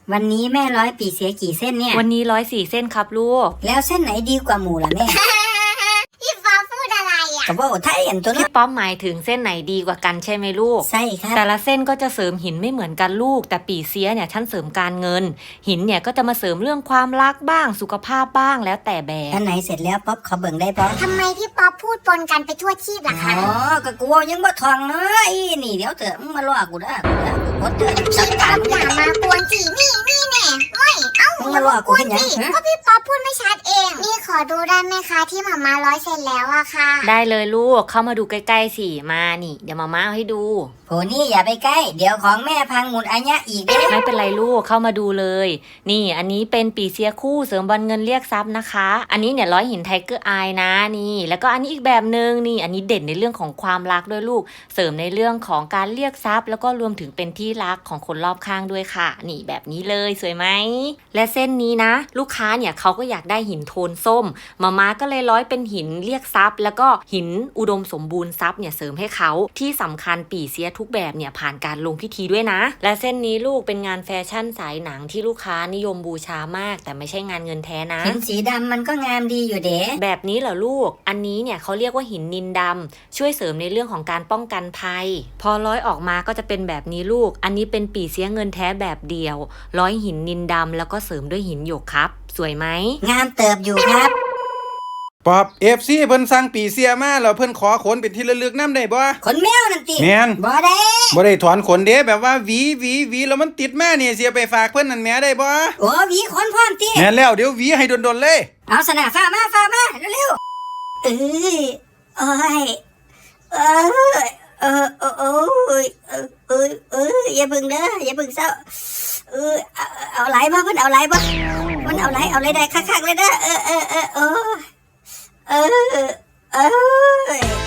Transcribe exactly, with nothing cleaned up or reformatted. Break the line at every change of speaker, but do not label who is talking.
วันนี้แม่ร้อยปีเสียกี่เส้นเนี่ย
วันนี้ร้อยสี่เส้นครับลูก
แล้วเส้นไหนดีกว่าหมูล่ะแม่
พี่ฟ้าพูดอะไรอ่ะ
กับว่าไทยอันตัวนี้
พี่ป๊อปหมายถึงเส้นไหนดีกว่ากันใช่ไหมลูก
ใช่ครับ
แต่ละเส้นก็จะเสริมหินไม่เหมือนกันลูกแต่ปีเสียเนี่ยฉันเสริมการเงินหินเนี่ยก็จะมาเสริมเรื่องความรักบ้างสุขภาพบ้างแล้วแต่แบบ
อันไหนเสร็จแล้วป๊อปขอเบิ่งได้ป๊อป
ทำไมพี่ป๊อปพูดปนกันไปทั่วชีพล่ะคะ
อ๋อก็กูยังบ่ทองเนาะอีนี่เดี๋ยวเถอะมึงมาล่อกูได้กูได้กูกดเถอะ
พี่ป๊อปอย่ามากวนจีนี่นี่แน่เฮ้ยเอ้า
มึงมาล่อกูเป็นยัง
ก็พี่ป๊อปพูดไม่ชัดเองนี่ขอดูได้ไหมคะที่หม่าม้าร้อยเสร็จแล้วอะค่ะ
ได้เลยลูกเข้ามาดูใกล้ๆสิมานี่เดี๋ยวมาม่าให้ดู
โหนี่อย่าไปใกล้เดี๋ยวของแม่พังหมุนอัญญะอีก
ไม่เป็นไรลูกเข้ามาดูเลยนี่อันนี้เป็นปีเสียคู่เสริมบอลเงินเรียกทรัพย์นะคะอันนี้เนี่ยร้อยหินไทเกอร์อายนะนี่แล้วก็อันนี้อีกแบบนึงนี่อันนี้เด่นในเรื่องของความรักด้วยลูกเสริมในเรื่องของการเรียกทรัพย์แล้วก็รวมถึงเป็นที่รักของคนรอบข้างด้วยค่ะนี่แบบนี้เลยสวยไหมและเส้นนี้นะลูกค้าเนี่ยเขาก็อยากได้หินโทนส้มมาม่าก็เลยร้อยเป็นหินเรียกทรัพย์แล้วก็หินอุดมสมบูรณ์ทรัพย์เนี่ยเสริมให้เขาที่สำคัญปีเสียทุกแบบเนี่ยผ่านการลงพิธีด้วยนะและเส้นนี้ลูกเป็นงานแฟชั่นสายหนังที่ลูกค้านิยมบูชามากแต่ไม่ใช่งานเงินแท้นะ
หินสีดำมันก็งามดีอยู่เด้
แบบนี้เหรอลูกอันนี้เนี่ยเขาเรียกว่าหินนินดำช่วยเสริมในเรื่องของการป้องกันภัยพอร้อยออกมาก็จะเป็นแบบนี้ลูกอันนี้เป็นปีเสียเงินแท้แบบเดียวร้อยหินนินดำแล้วก็เสริมด้วยหินหยกครับสวยไหม
งามเติบอยู่ครับ
ป๊อบ เอฟ ซี เพิ่นสั่งปีเสียมาแล้วเพิ่นขอขนเป็นที่ระลึกนำได้บ่
ขนแมวนั่นติ
แม่น
บ่ได้
บ่ได้ถอนขนเด้แบบว่าหวีหวีหวีแล้วมันติดมานี่เสียไปฝากเพิ่นนั่นแหมได้บ่
โอ้หวีขนพร้อมติ
แม่นแล้วเดี๋ยวหวีให้ดนๆเลย
เอาสนะฟ้ามาฟ้ามาเร็วๆเอ้ยโอ้ยเอ้ยเออเออโอ้ยเออเออเอออย่าบึงเด้ออย่าบึงเศร้าเออเอาเอาไหลบ่เพิ่นเอาไหลบ่มันเอาไหลเอาไหลได้คักๆเลยเด้อเออเออเออโอ้เออเออ